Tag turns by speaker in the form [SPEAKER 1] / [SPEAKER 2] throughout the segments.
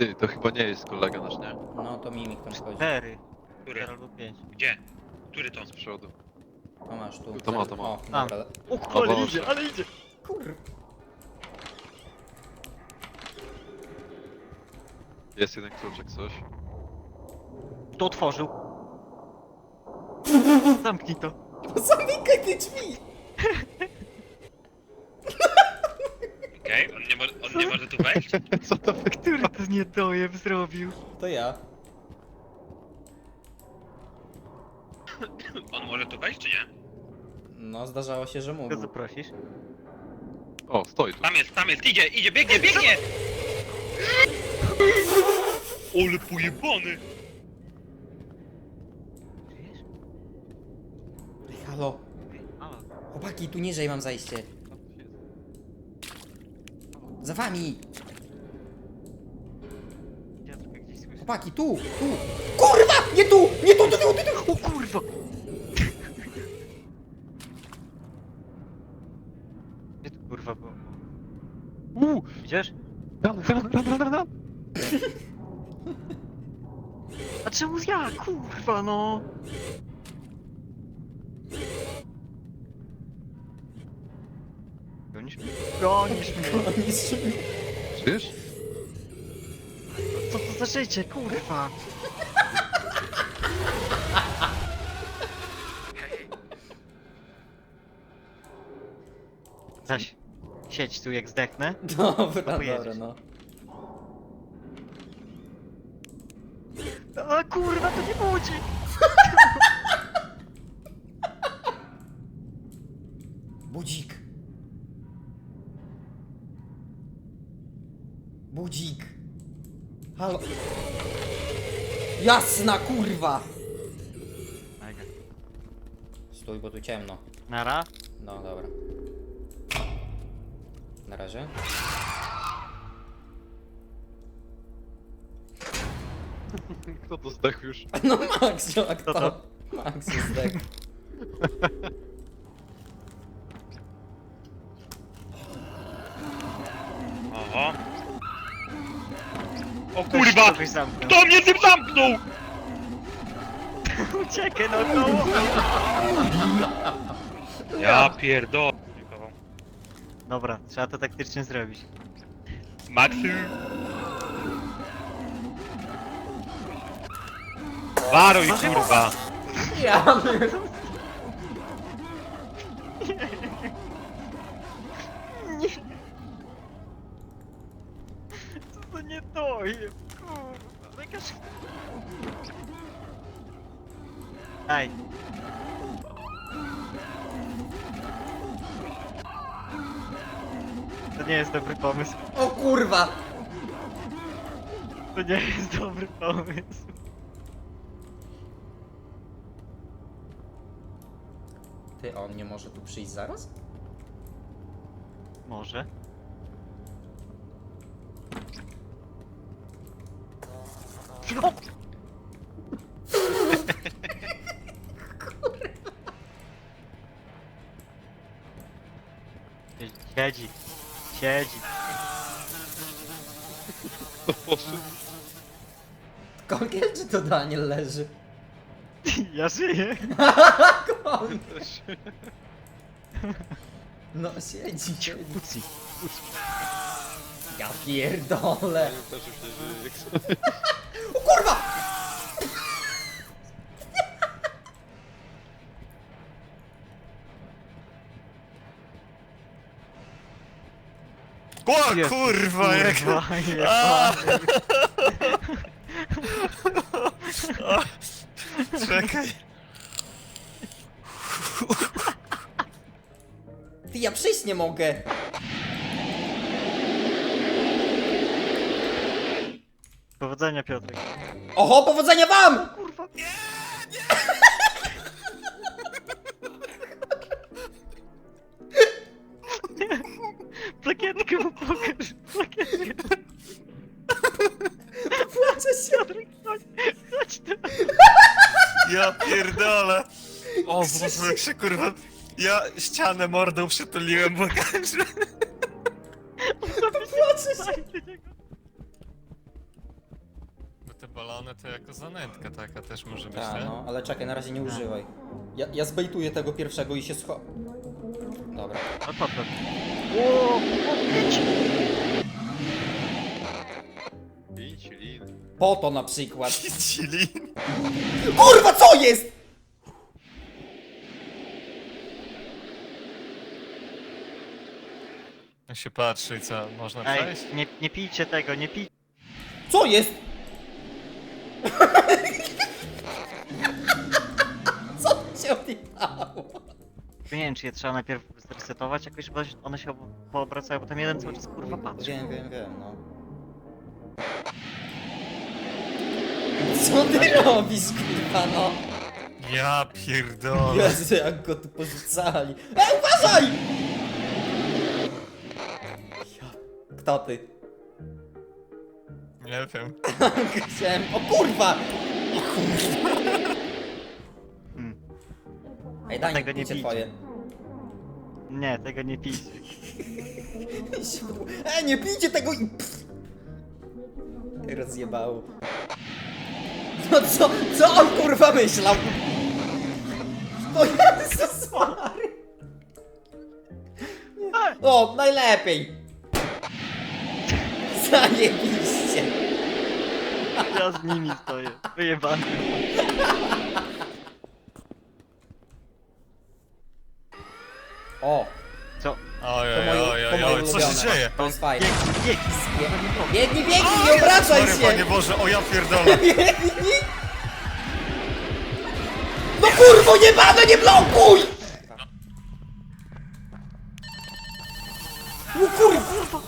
[SPEAKER 1] Ty, to chyba nie jest kolega nasz, nie?
[SPEAKER 2] No to mimik tam chodzi.
[SPEAKER 3] 4.
[SPEAKER 4] Który?
[SPEAKER 3] Albo 5.
[SPEAKER 4] Gdzie? Który to?
[SPEAKER 1] Z przodu.
[SPEAKER 2] To masz tu.
[SPEAKER 1] To ma, to ma.
[SPEAKER 2] O,
[SPEAKER 3] Tam.
[SPEAKER 2] dobra.
[SPEAKER 3] O
[SPEAKER 1] O
[SPEAKER 3] kurde,
[SPEAKER 1] Boże.
[SPEAKER 3] idzie, ale idzie!
[SPEAKER 2] Kur...
[SPEAKER 1] Jest jeden kluczek, coś.
[SPEAKER 3] Kto otworzył? Zamknij to.
[SPEAKER 2] Zamykaj te drzwi!
[SPEAKER 4] Okej, on nie może tu wejść?
[SPEAKER 1] Co to wy...
[SPEAKER 3] Który to niedojeb zrobił?
[SPEAKER 2] To ja.
[SPEAKER 4] On może tu wejść, czy nie?
[SPEAKER 2] No, zdarzało się, że
[SPEAKER 3] Kogo
[SPEAKER 2] mógł.
[SPEAKER 3] zaprosisz?
[SPEAKER 1] O, stoi tu.
[SPEAKER 4] Tam jest, idzie, biegnie! Ole pojebany!
[SPEAKER 3] Żyjesz?
[SPEAKER 2] Ej, halo.
[SPEAKER 3] Halo.
[SPEAKER 2] Chłopaki, tu niżej mam zajście. Za wami!
[SPEAKER 3] Ja tylko gdzieś słyszę.
[SPEAKER 2] Chłopaki, tu! Tu! Kurwa! Nie tu! Nie tu!
[SPEAKER 3] O kurwa! Gdzie tu kurwa było? Widzisz?
[SPEAKER 1] Ran.
[SPEAKER 3] A czemu ja? Kurwa no! Gonisz mnie? Gonisz mnie!
[SPEAKER 1] Wiesz?
[SPEAKER 3] Co to za życie, kurwa? Zaś, siedź tu jak zdechnę.
[SPEAKER 2] Dobra,
[SPEAKER 3] pojedziesz.
[SPEAKER 2] dobra, no.
[SPEAKER 3] A kurwa, to nie budzi!
[SPEAKER 2] Budzik! Budzik! Halo! Jasna kurwa!
[SPEAKER 3] Mega.
[SPEAKER 2] Stój, bo tu ciemno.
[SPEAKER 3] Nara?
[SPEAKER 2] No, dobra. Na razie.
[SPEAKER 1] Kto to zdechł już?
[SPEAKER 2] No Max, jak
[SPEAKER 3] Kto
[SPEAKER 2] to?
[SPEAKER 3] to?
[SPEAKER 2] Max jest tak.
[SPEAKER 4] Oho. O
[SPEAKER 3] Weź
[SPEAKER 4] kurwa!
[SPEAKER 3] kogoś zamknął.
[SPEAKER 4] Kto mnie tym zamknął?
[SPEAKER 3] Uciekaj no to!
[SPEAKER 4] Ja pierdolę.
[SPEAKER 3] Dobra, trzeba to taktycznie zrobić.
[SPEAKER 4] Maxy. Waruj kurwa!
[SPEAKER 2] Ja
[SPEAKER 3] Co to nie dojeb, kurwa, jakaż... Daj. To nie jest dobry pomysł.
[SPEAKER 2] O kurwa!
[SPEAKER 3] To nie jest dobry pomysł.
[SPEAKER 2] Ty, on nie może tu przyjść zaraz?
[SPEAKER 3] Może. O! Siedzi. Siedzi.
[SPEAKER 1] To poszedł.
[SPEAKER 2] Konkiel czy to Daniel leży?
[SPEAKER 3] Ja żyję.
[SPEAKER 2] Kon...
[SPEAKER 1] Też.
[SPEAKER 2] No siedzi, siedzi.
[SPEAKER 3] Puci.
[SPEAKER 2] Ja pierdolę.
[SPEAKER 1] Też już nie żyje, jak sobie.
[SPEAKER 2] O kurwa!
[SPEAKER 5] O
[SPEAKER 3] Jezu,
[SPEAKER 5] kurwa, jak...
[SPEAKER 3] kurwa,
[SPEAKER 5] A!
[SPEAKER 3] jebany.
[SPEAKER 5] Czekaj.
[SPEAKER 2] Ty, ja przyjść nie mogę.
[SPEAKER 3] Powodzenia, Piotrek.
[SPEAKER 2] Oho, powodzenia wam!
[SPEAKER 3] Kurwa. Plakietkę mu pokaż. Plakietkę.
[SPEAKER 2] Płaczę się.
[SPEAKER 3] Piotrek, chodź. Chodź tu.
[SPEAKER 5] Ja pierdolę. O Boże, jak się kurwa... Ja ścianę mordą przytuliłem, bo
[SPEAKER 2] Płaczę się.
[SPEAKER 3] Daj do niego.
[SPEAKER 5] balony to jako zanętka taka też może być,
[SPEAKER 2] Tak,
[SPEAKER 5] nie?
[SPEAKER 2] no, ale czekaj, na razie nie używaj. Ja zbejtuję tego pierwszego i się Dobra.
[SPEAKER 3] No to to. O, pięć.
[SPEAKER 1] 5 lin.
[SPEAKER 2] Po to na przykład.
[SPEAKER 5] Chili.
[SPEAKER 2] Kurwa, co jest?!
[SPEAKER 5] Jak się patrzy i co, można
[SPEAKER 3] Ej,
[SPEAKER 5] przejść?
[SPEAKER 3] nie pijcie tego, nie pijcie.
[SPEAKER 2] Co jest?! Co się odjechało?
[SPEAKER 3] Nie wiem, czy je trzeba najpierw zresetować jakoś, bo one się poobracają, bo tam jeden cały czas kurwa patrzy.
[SPEAKER 2] Wiem, no. Co ty robisz, kurwa, no?
[SPEAKER 5] Ja pierdolę.
[SPEAKER 2] Jezu, jak go tu porzucali. Uważaj! Kto ty?
[SPEAKER 5] Nie wiem.
[SPEAKER 2] Chciałem... O kurwa! Ej, daj
[SPEAKER 3] Tego
[SPEAKER 2] mi
[SPEAKER 3] nie
[SPEAKER 2] picie
[SPEAKER 3] bijcie.
[SPEAKER 2] twoje.
[SPEAKER 3] Nie, tego nie pijcie.
[SPEAKER 2] Nie pijcie tego i... Rozjebało. No co on kurwa myślał? O Jezus Mary. O, najlepiej. Zajebiście.
[SPEAKER 3] Ja z nimi stoję. Wyjebany.
[SPEAKER 2] O,
[SPEAKER 3] Co?
[SPEAKER 5] Ojej,
[SPEAKER 2] to moje
[SPEAKER 5] ojej, ojej, co się
[SPEAKER 2] ulubione.
[SPEAKER 5] dzieje?
[SPEAKER 2] To jest fajne.
[SPEAKER 3] Bieg.
[SPEAKER 2] Biegnij, nie obracaj
[SPEAKER 5] Sorry, Panie
[SPEAKER 2] się!
[SPEAKER 5] Boże, o ja pierdolę.
[SPEAKER 2] Biegnij! No kurwo, nie blokuj! No kurwa!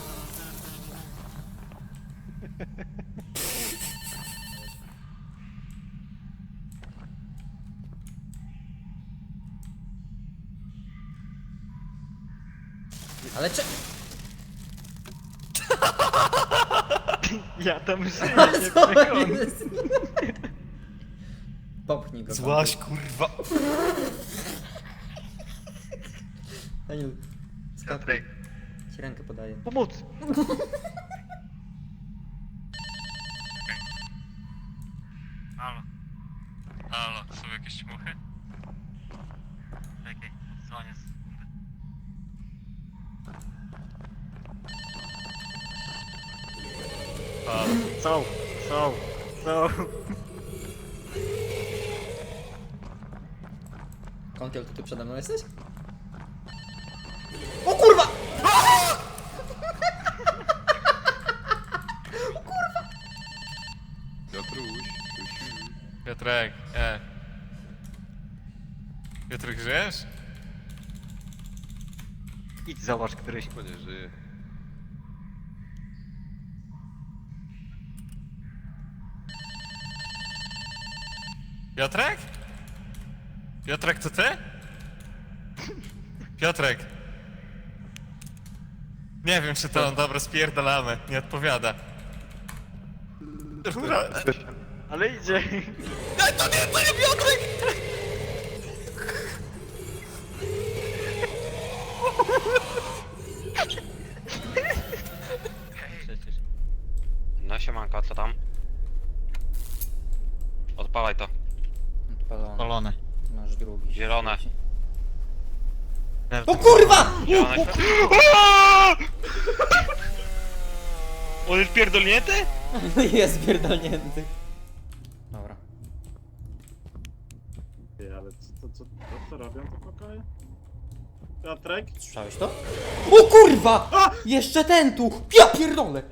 [SPEAKER 2] Ale czy...
[SPEAKER 3] Ja tam żyję, nie
[SPEAKER 2] Co
[SPEAKER 3] przekonam.
[SPEAKER 2] jest? Popchnij go.
[SPEAKER 5] Złaś, kurwa.
[SPEAKER 2] Daniel, skakuj. Ci rękę podaję.
[SPEAKER 3] Pomóc!
[SPEAKER 5] Halo. Halo, są jakieś muchy?
[SPEAKER 3] Czekaj, dzwonię z...
[SPEAKER 5] Halo.
[SPEAKER 3] Są.
[SPEAKER 2] Kąkiel, to ty przede mną jesteś? O kurwa!
[SPEAKER 1] Piotruś.
[SPEAKER 5] Piotrek, Piotrek, żyjesz?
[SPEAKER 3] Idź zobacz któryś.
[SPEAKER 1] Chyba nie żyje.
[SPEAKER 5] Piotrek? Piotrek, to ty? Piotrek. Nie wiem, czy to on, dobra, spierdalamy. Nie odpowiada.
[SPEAKER 3] Ale idzie.
[SPEAKER 5] To nie Piotrek!
[SPEAKER 3] Przecież.
[SPEAKER 4] No siemanko, co tam? Odpalaj to.
[SPEAKER 2] Odpalone.
[SPEAKER 3] Polone.
[SPEAKER 2] Masz drugi.
[SPEAKER 4] Zielone.
[SPEAKER 2] O kurwa!
[SPEAKER 4] Zielone On jest pierdolnięty?
[SPEAKER 2] Jest pierdolnięty. Dobra.
[SPEAKER 6] Ty, ale co robią te pokoje? Piotrek?
[SPEAKER 2] Słyszałeś to? O kurwa! Jeszcze ten tu! Ja pierdolę!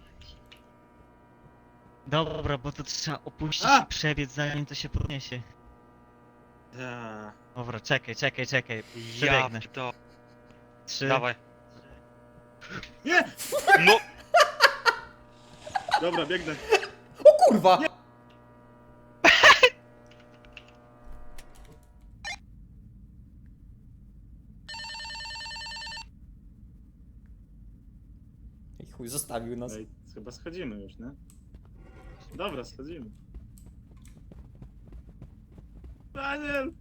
[SPEAKER 3] Dobra, bo to trzeba opuścić
[SPEAKER 6] A!
[SPEAKER 3] i przebiec zanim to się podniesie.
[SPEAKER 6] Ja.
[SPEAKER 3] Dobra, czekaj.
[SPEAKER 4] Ja
[SPEAKER 3] Przebiegnę.
[SPEAKER 4] to.
[SPEAKER 3] 3.
[SPEAKER 4] Dawaj.
[SPEAKER 6] Nie!
[SPEAKER 4] No!
[SPEAKER 6] Dobra, biegnę.
[SPEAKER 2] O kurwa! I chuj, zostawił nas.
[SPEAKER 6] Ej, chyba schodzimy już, nie? Dobra, schodzimy. Daniel!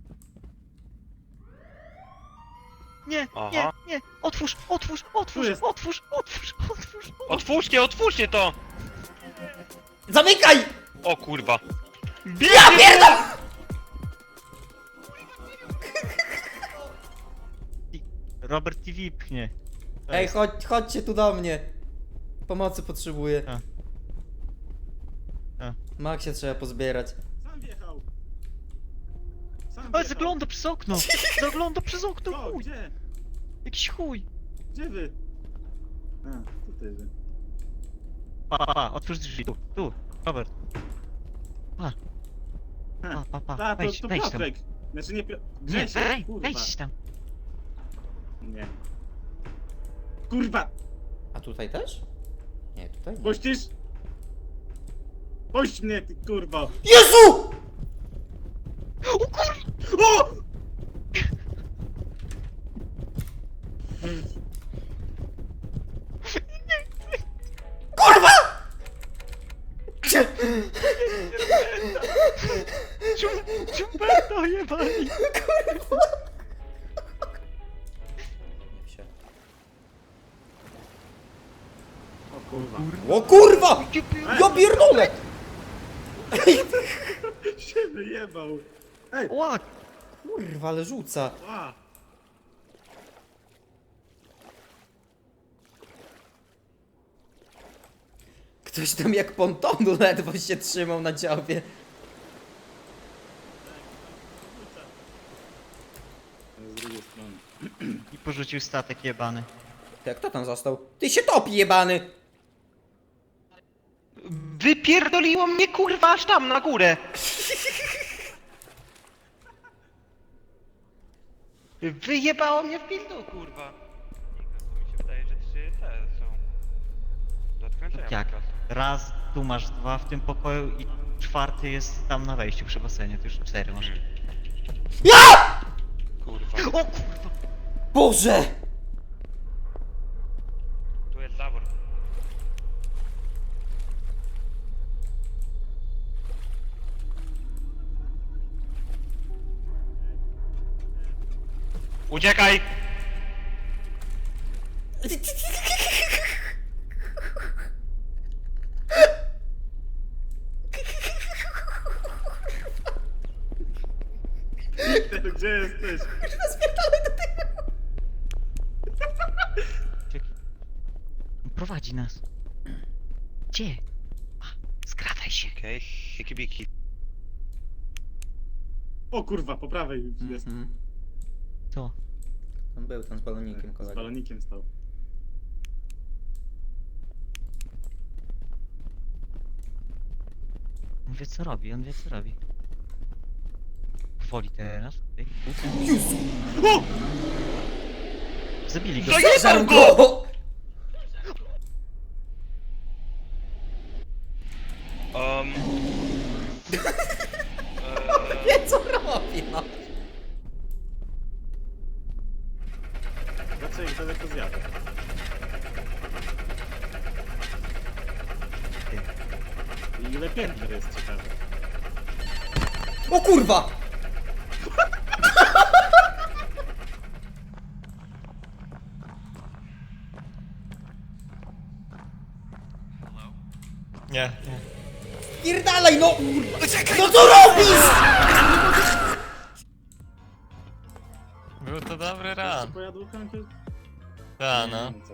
[SPEAKER 3] Nie,
[SPEAKER 4] Aha.
[SPEAKER 3] nie! Otwórz!
[SPEAKER 6] Tu jest.
[SPEAKER 3] Otwórzcie to!
[SPEAKER 4] Otwórzcie to!
[SPEAKER 2] Zamykaj!
[SPEAKER 4] O kurwa.
[SPEAKER 2] Ja pierdol!
[SPEAKER 3] Robert TV pchnie. To
[SPEAKER 2] Ej,
[SPEAKER 3] jest-
[SPEAKER 2] chodźcie tu do mnie. Pomocy potrzebuję.
[SPEAKER 3] A.
[SPEAKER 2] Maxie trzeba pozbierać.
[SPEAKER 6] Sam wjechał. Sam
[SPEAKER 3] Ej,
[SPEAKER 6] wjechał.
[SPEAKER 3] zagląda przez okno! Zagląda przez okno,
[SPEAKER 6] O,
[SPEAKER 3] chuj!
[SPEAKER 6] gdzie?
[SPEAKER 3] Jakiś chuj!
[SPEAKER 6] Gdzie wy? A, tutaj wy.
[SPEAKER 3] Pa, otwórz drzwi, tu, Robert. Pa,
[SPEAKER 6] A,
[SPEAKER 3] wejdź,
[SPEAKER 6] to
[SPEAKER 3] wejdź tam.
[SPEAKER 6] Piotrek. Znaczy nie Piotr.
[SPEAKER 3] Nie,
[SPEAKER 6] Grzesiek, kurwa.
[SPEAKER 3] wejdź tam.
[SPEAKER 6] Nie. Kurwa!
[SPEAKER 2] A tutaj też? Nie, tutaj nie.
[SPEAKER 6] Puścisz? Puść mnie, ty kurwa!
[SPEAKER 2] Jezu!
[SPEAKER 6] O!
[SPEAKER 2] Kurwa!
[SPEAKER 3] Ciumberto jebali!
[SPEAKER 2] Nie się.
[SPEAKER 6] O kurwa.
[SPEAKER 2] O kurwa! Ja pierdolę!
[SPEAKER 6] Się wyjebał. Ej!
[SPEAKER 3] Ła!
[SPEAKER 2] Kurwa, ale rzuca.
[SPEAKER 6] A!
[SPEAKER 2] Ktoś tam jak pontonu ledwo się trzymał na dziobie.
[SPEAKER 6] Z drugiej strony.
[SPEAKER 3] I porzucił statek jebany.
[SPEAKER 2] Jak kto tam został? Ty się topi, jebany!
[SPEAKER 7] Wypierdoliło mnie kurwa aż tam na górę! Wyjebało mnie w pizdu kurwa!
[SPEAKER 4] Mi się wydaje, że 3 te są. Do odkręcenia
[SPEAKER 3] Jak?
[SPEAKER 4] po prostu.
[SPEAKER 3] Raz, tu masz 2 w tym pokoju i 4 jest tam na wejściu przy basenie, to już 4 masz.
[SPEAKER 4] Kurwa.
[SPEAKER 3] O kurwa!
[SPEAKER 2] Boże!
[SPEAKER 4] Tu jest zawór. Uciekaj!
[SPEAKER 6] Gdzie jesteś?
[SPEAKER 3] Prowadzi nas. Gdzie? A, skradaj się.
[SPEAKER 4] Okej, okay. Biki.
[SPEAKER 6] O kurwa, po prawej jest.
[SPEAKER 2] Mhm.
[SPEAKER 3] Co?
[SPEAKER 2] Tam był ten z balonikiem
[SPEAKER 6] Z
[SPEAKER 2] kolega.
[SPEAKER 6] balonikiem stał.
[SPEAKER 3] On wie co robi, on wie co robi. Woli teraz. Ej,
[SPEAKER 6] O!
[SPEAKER 3] zabili go.
[SPEAKER 2] Zajebał go! Wie co robi, no.
[SPEAKER 6] Zobaczę jak daleko zjadę. I ile piętr jest ciekawe.
[SPEAKER 2] O kurwa!
[SPEAKER 5] Nie.
[SPEAKER 2] Pierdalaj, no! No co robisz?
[SPEAKER 5] Był to dobry
[SPEAKER 6] Jeszcze
[SPEAKER 5] ran.
[SPEAKER 6] pojadło kankę?
[SPEAKER 5] Ta, no.
[SPEAKER 6] Co?